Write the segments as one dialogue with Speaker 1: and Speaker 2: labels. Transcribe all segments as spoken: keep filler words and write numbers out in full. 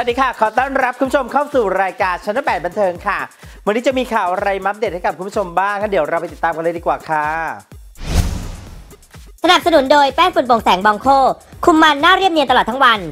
Speaker 1: ดีค่ะขอต้อนรับคุณผู้ชมเข้าสู่รายการชั้นแปดบันเทิงค่ะวันนี้จะมีข่าวอะไรมาอัปเดตให้กับคุณผู้ชมบ้างงั้นเดี๋ยวเราไปติดตามกันเลยดีกว่าค่ะ
Speaker 2: สนับสนุนโดยแป้งฝุ่นโปร่งแสงบองโคคุมมันหน้าเรียบเนียนตลอดทั้งวัน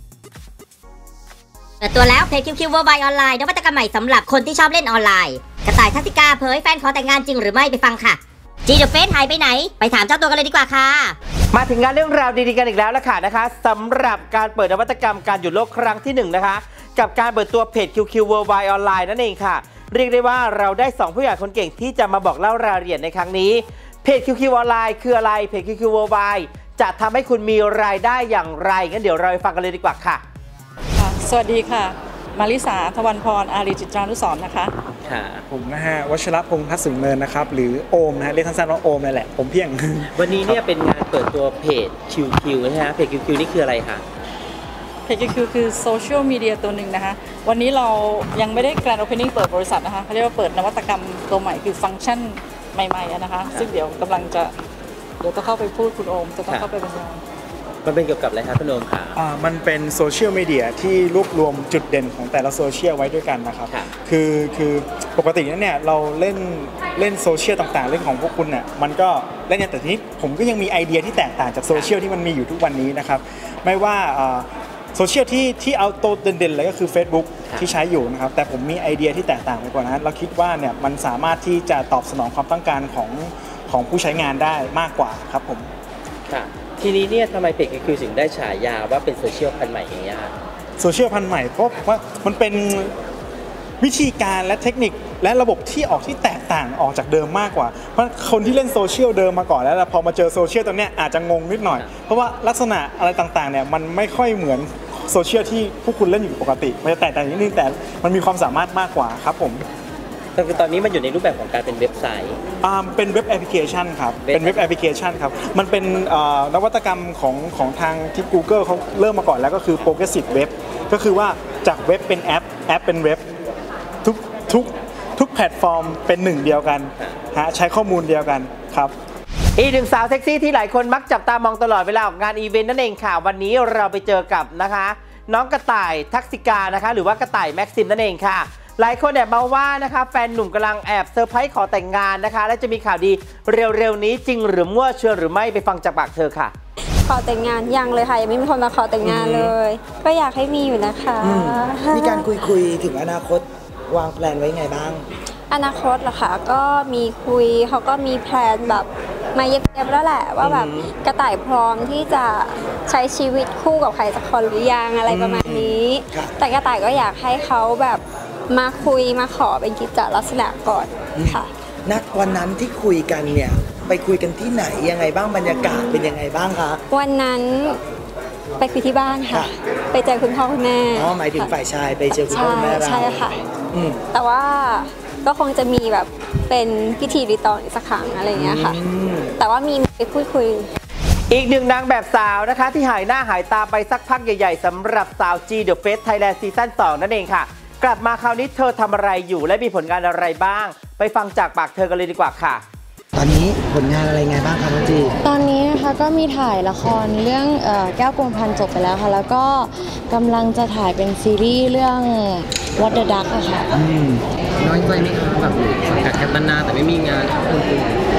Speaker 2: เปิดตัวแล้วเพจคิวคิวเวอร์ไบออนไลน์นวัตกรรมใหม่สำหรับคนที่ชอบเล่นออนไลน์กระต่ายทัศติกาเผยแฟนขอแต่งงานจริงหรือไม่ไปฟังค่ะจีเดอะเฟสหายไปไหนไปถามเจ้าตัวกันเลยดีกว่าค่ะ
Speaker 1: มาถึงงานเรื่องราวดีๆกันอีกแล้วละค่ะนะคะสำหรับการเปิดนวัตกรรมการหยุดโลกครั้งที่หนึ่งนะคะกับการเปิดตัวเพจ คิว คิว Worldwide ออนไลน์นั่นเองค่ะเรียกได้ว่าเราได้สองผู้ใหญ่คนเก่งที่จะมาบอกเล่ารายละเอียดในครั้งนี้เพจ คิว คิว ออนไลน์คืออะไรเพจ คิว คิว Worldwide จะทำให้คุณมีรายได้อย่างไรงั้นเดี๋ยวเราไปฟังกันเลยดีกว่าค่ะ
Speaker 3: สวัสดีค่ะมาริสาทวันพรอารีจิตรานุสรณ์นะคะ
Speaker 4: ค่ะผมนะฮะวชรพงษ์ทัศน์สูงเนินนะครับหรือโอมนะฮะเรียกสั้นๆว่าโอมนั่นแหละผมเพียง
Speaker 1: วันนี้เนี่ยเป็นงานเปิดตัวเพจ คิว คิว นะฮะเพจ คิว คิว นี่คืออะไรคะ
Speaker 3: เพจ คิว คิว คือโซเชียลมีเดียตัวหนึ่งนะคะวันนี้เรายังไม่ได้แกรนด์โอเพนนิ่งเปิดบริษัทนะคะเขาเรียกว่าเปิดนวัตกรรมตัวใหม่คือฟังก์ชันใหม่ๆนะคะซึ่งเดี๋ยวกำลังจะเดี๋ยวจะเข้าไปพูดคุณโอมจะต้องเข้าไปบรรยาย
Speaker 1: มันเป็นเกี่ยวกับอะไรครับคุณโอมค่ะ
Speaker 4: อ่ามันเป็นโซเชียลมีเดียที่รวบรวมจุดเด่นของแต่ละโซเชียลไว้ด้วยกันนะครับคือคือปกติเนี่ยเราเล่นเล่นโซเชียลต่างๆเรื่องของพวกคุณเนี่ยมันก็เล่นแต่ทีนี้ผมก็ยังมีไอเดียที่แตกต่างจากโซเชียลที่มันมีอยู่ทุกวันนี้นะครับไม่ว่าโซเชียลที่ที่เอาตัวเด่นๆเลยก็คือ Facebook ที่ใช้อยู่นะครับแต่ผมมีไอเดียที่แตกต่างไปกว่านั้นเราคิดว่าเนี่ยมันสามารถที่จะตอบสนองความต้องการของของผู้ใช้งานได้มากกว่าครับผม
Speaker 1: ค่ะทีนี้เนี่ยทำไมเพจ คิว คิว ถึงได้ฉายาว่าเป็นโซเชียลพันธุ์ใหม่อย่างเงี้ยครับ
Speaker 4: โซเชียลพันธุ์ใหม่เพราะว่ามันเป็นวิธีการและเทคนิคและระบบที่ออกที่แตกต่างออกจากเดิมมากกว่าเพราะคนที่เล่นโซเชียลเดิมมาก่อนแล้วพอมาเจอโซเชียลตรงนี้อาจจะงงนิดหน่อยเพราะว่าลักษณะอะไรต่างๆเนี่ยมันไม่ค่อยเหมือนโซเชียลที่พวกคุณเล่นอยู่ปกติมันจะแตกต่างนิดนึงแต่มันมีความสามารถมากกว่าครับผม
Speaker 1: แต่คือตอนนี้มันอยู่ในรูปแบบของการเป็นเว็บไซต์
Speaker 4: อ่าเป็นเว็บแอปพลิเคชันครับเป็นเว็บแอปพลิเคชันครับมันเป็นนวัตกรรมของของทางที่ Google เขาเริ่มมาก่อนแล้วก็คือ Progressive Web ก็คือว่าจากเว็บเป็นแอปแอปเป็นเว็บทุกทุกทุกแพลตฟอร์มเป็นหนึ่งเดียวกันฮะใช้ข้อมูลเดียวกันครับ
Speaker 1: อีกหนึ่งสาวเซ็กซี่ที่หลายคนมักจับตามองตลอดเวลาออกงานอีเวนต์นั่นเองค่ะวันนี้เราไปเจอกับนะคะน้องกระต่ายทักษิกานะคะหรือว่ากระต่ายแม็กซิมนั่นเองค่ะหลายคนแอบมาว่านะคะแฟนหนุ่มกำลังแอบเซอร์ไพรส์ขอแต่งงานนะคะและจะมีข่าวดีเร็วๆนี้จริงหรือมั่วเชื่อหรือไม่ไปฟังจากปากเธอค่ะ
Speaker 5: ขอแต่งงานยังเลยค่ะยังไม่มีคนมาขอแต่งงานเลยก็อยากให้มีอยู่นะคะ
Speaker 6: มีการคุยคุยถึงอนาคตวางแผนไว้ไงบ้าง
Speaker 5: อนาคตเหรอคะก็มีคุยเขาก็มีแพลนแบบมาเย็บๆแล้วแหละว่าแบบกระต่ายพร้อมที่จะใช้ชีวิตคู่กับใครสักคนหรือยังอะไรประมาณนี้แต่กระต่ายก็อยากให้เขาแบบมาคุยมาขอเป็นกิจลักษณะก่อนค่ะ
Speaker 6: นัดวันนั้นที่คุยกันเนี่ยไปคุยกันที่ไหนยังไงบ้างบรรยากาศเป็นยังไงบ้างคะ
Speaker 5: วันนั้นไปคุยที่บ้านค่ะไปเจอคุณพ่อคุณแม่
Speaker 6: อ๋อหมายถึงฝ่ายชายไปเจอคุณพ่อคุณแม่เรา
Speaker 5: ใช่ค่ะแต่ว่าก็คงจะมีแบบเป็นพิธีรีตองอีกสักครั้งอะไรอย่างเงี้ยค่ะแต่ว่ามีไปพูดคุย
Speaker 1: อีกหนึ่งนางแบบสาวนะคะที่หายหน้าหายตาไปสักพักใหญ่ๆสำหรับสาว จี เดอะ เฟส ไทยแลนด์ ซีซั่น สอง นั่นเองค่ะกลับมาคราวนี้เธอทำอะไรอยู่และมีผลงานอะไรบ้างไปฟังจากปากเธอกันเลยดีกว่าค่ะ
Speaker 6: ตอนนี้ผลงานอะไรไงบ้างคะน้องจี
Speaker 7: ตอนนี้นะคะก็มีถ่ายละครเรื่องแก้วกวงพันจบไปแล้วค่ะแล้วก็กำลังจะถ่ายเป็นซีรีส์เรื่อง What the Duck อะค่ะ
Speaker 8: น้อยใจไหมคะแบบสังกัดแคปนาแต่ไม่มีงานคุณคุณ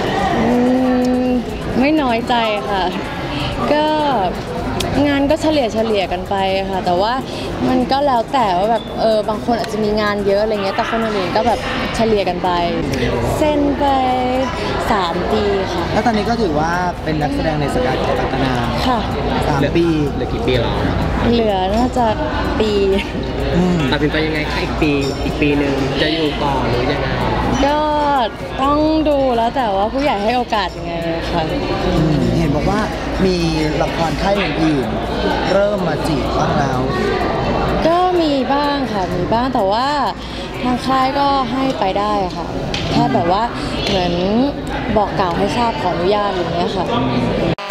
Speaker 7: ไม่น้อยใจค่ะก็งานก็เฉลี่ยเฉลี่ยกันไปค่ะแต่ว่ามันก็แล้วแต่ว่าแบบเออบางคนอาจจะมีงานเยอะอะไรเงี้ยแต่คนอื่นก็แบบเฉลี่ยกันไปเซ็นไปสามปีค่ะ
Speaker 6: แล้วตอนนี้ก็ถือว่าเป็นนักแสดงในสังกัดแคปนา
Speaker 7: ค่ะ
Speaker 6: สามปี
Speaker 8: เหลือกี่ปีแล้ว
Speaker 7: เหลือน่าจะปี
Speaker 8: ตัดสินใจยังไงคะอีกปีอีกปีหนึ่งจะอยู่ต่อหรือยังไง
Speaker 7: ก็ต้องดูแล้วแต่ว่าผู้ใหญ่ให้โอกาสยังไงค่ะ
Speaker 6: เห็นบอกว่ามีละครค่ายอื่นๆเริ่มมาจีบบ้างแล้ว
Speaker 7: ก็มีบ้างค่ะมีบ้างแต่ว่าทางค่ายก็ให้ไปได้ค่ะแค่แบบว่าเหมือนบอกกล่าวให้ทราบขออนุญาตอย่างเงี้ยค่ะ